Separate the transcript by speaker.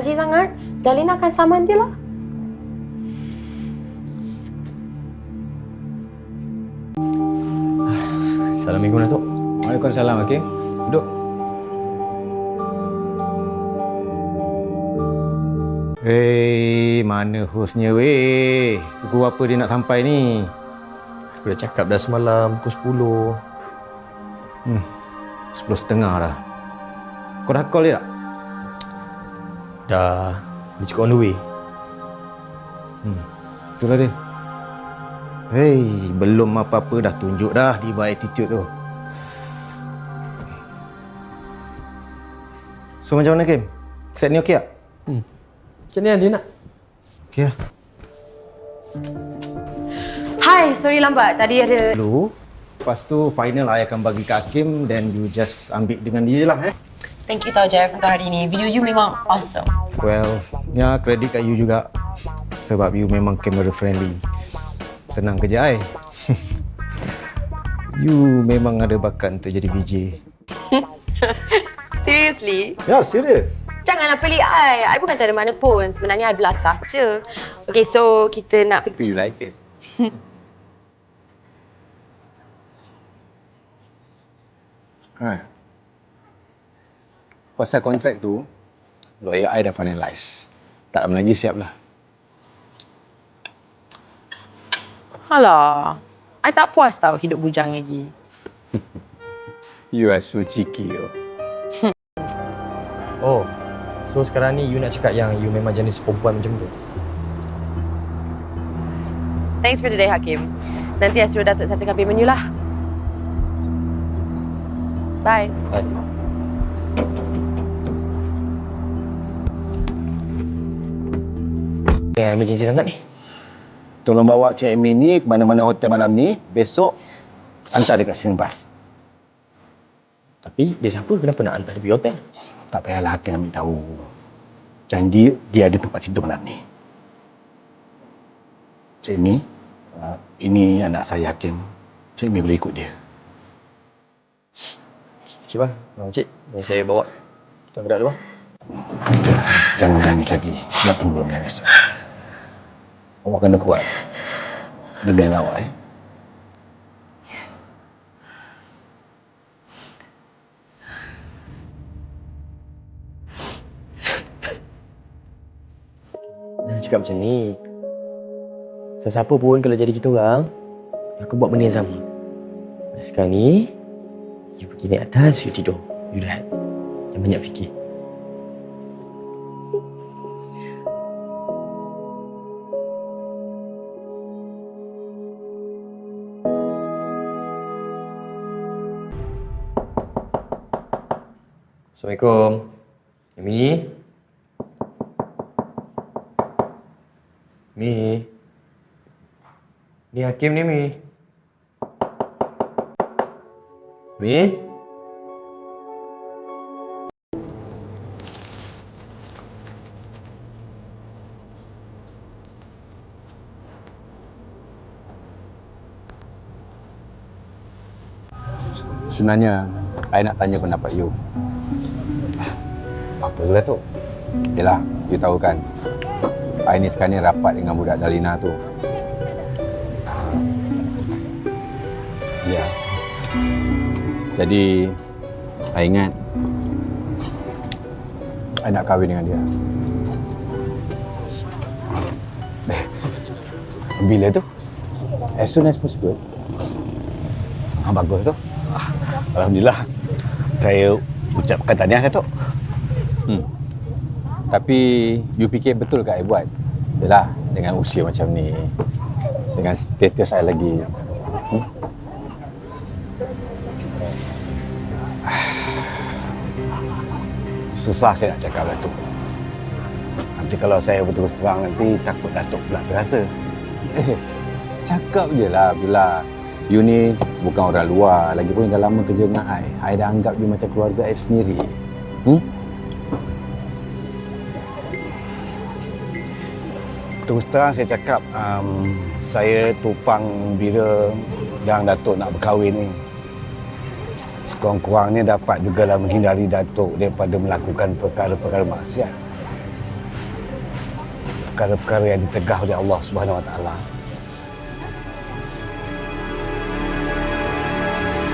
Speaker 1: gaji sangat, Dalina akan saman dia lah.
Speaker 2: Assalamualaikum, Datuk.
Speaker 3: Waalaikumsalam, Hakim. Duduk. Mana hostnya weh? Pukul apa dia nak sampai ni?
Speaker 2: Aku dah cakap dah semalam, pukul 10.
Speaker 3: 10.30 dah. Kau dah call dia tak?
Speaker 2: Dah. Dia cakap on the way.
Speaker 3: Itulah dia. Belum apa-apa dah tunjuk dah diva attitude tu. So macam mana, Kim? Set ni okey tak?
Speaker 2: Macam mana dia nak?
Speaker 3: Okey lah.
Speaker 1: Hai, sorry lambat. Tadi ada...
Speaker 3: Dulu, lepas tu final I akan bagi ke Hakim, then you just ambil dengan dia je lah.
Speaker 1: Thank you tau, Jeff, untuk hari ni. Video you memang awesome.
Speaker 3: Well, ya kredit kat you juga. Sebab you memang camera friendly. Senang kerja I. You memang ada bakat untuk jadi VJ.
Speaker 1: Seriously?
Speaker 3: Ya, serius.
Speaker 1: Janganlah pelik I. I bukan tak ada mana pun. Sebenarnya I belasah je. Okay, so kita nak pergi...
Speaker 4: You like it? Pasal kontrak tu, lawyer I dah finalize. Tak lama lagi siap lah.
Speaker 1: Alah, I tak puas tau hidup bujang lagi.
Speaker 4: You are so cheeky.
Speaker 2: Oh, so sekarang ni you nak cakap yang you memang jenis perempuan macam tu?
Speaker 1: Thanks for today, Hakim. Nanti I suruh Datuk satakan payment you lah. Bye.
Speaker 2: Hai. Emergency sangat ni.
Speaker 4: Tolong bawa Cik Amy ni ke mana-mana hotel malam ni. Besok, hantar dia kat swimming bus.
Speaker 2: Tapi dia siapa? Kenapa nak hantar dia pergi hotel?
Speaker 4: Tak payahlah Hakim ambil tahu. Janji dia ada tempat tidur malam ni. Cik Amy, ini anak saya Hakim. Cik Amy boleh ikut dia.
Speaker 2: Cik bang, cik, saya bawa. Tuan gerak dulu bang.
Speaker 4: Jangan nangis lagi. Nak tunggu menangis. Awak kena kuat. Dengar awak,
Speaker 2: Jangan cakap macam ni. Sesiapa pun kalau jadi kita orang, aku buat benda yang sama. Dan sekarang ni, you pergi naik atas, you tidur. You rehat. Jangan banyak fikir. Assalamualaikum. Amy? Mi? Ni Hakim ni, Mi. Mi?
Speaker 4: Sebenarnya, I nak tanya pendapat you. Apa pula tu? Yelah, you tahu kan, I ni sekarang ni rapat dengan budak Dalina tu. Ya. Jadi, I ingat I nak kahwin dengan dia. Bila tu? As soon as possible. Bagus tu. Alhamdulillah. Saya ucapkan tahniah, Datuk. Tapi, you fikir betul ke I buat? Yalah, dengan usia macam ni, dengan status I lagi. Susah saya nak cakap, Datuk. Nanti kalau saya berterus terang nanti, takut Datuk pula terasa. Cakap je lah, Abdullah. You ni bukan orang luar. Lagipun dah lama kerja dengan I dah anggap you macam keluarga I sendiri. Terus terang saya cakap, saya tupang bila yang Datuk nak berkahwin ni. Sekurang-kurangnya dapat jugalah menghindari Datuk daripada melakukan perkara-perkara maksiat. perkara-perkara yang ditegah oleh Allah Subhanahu Wa Taala.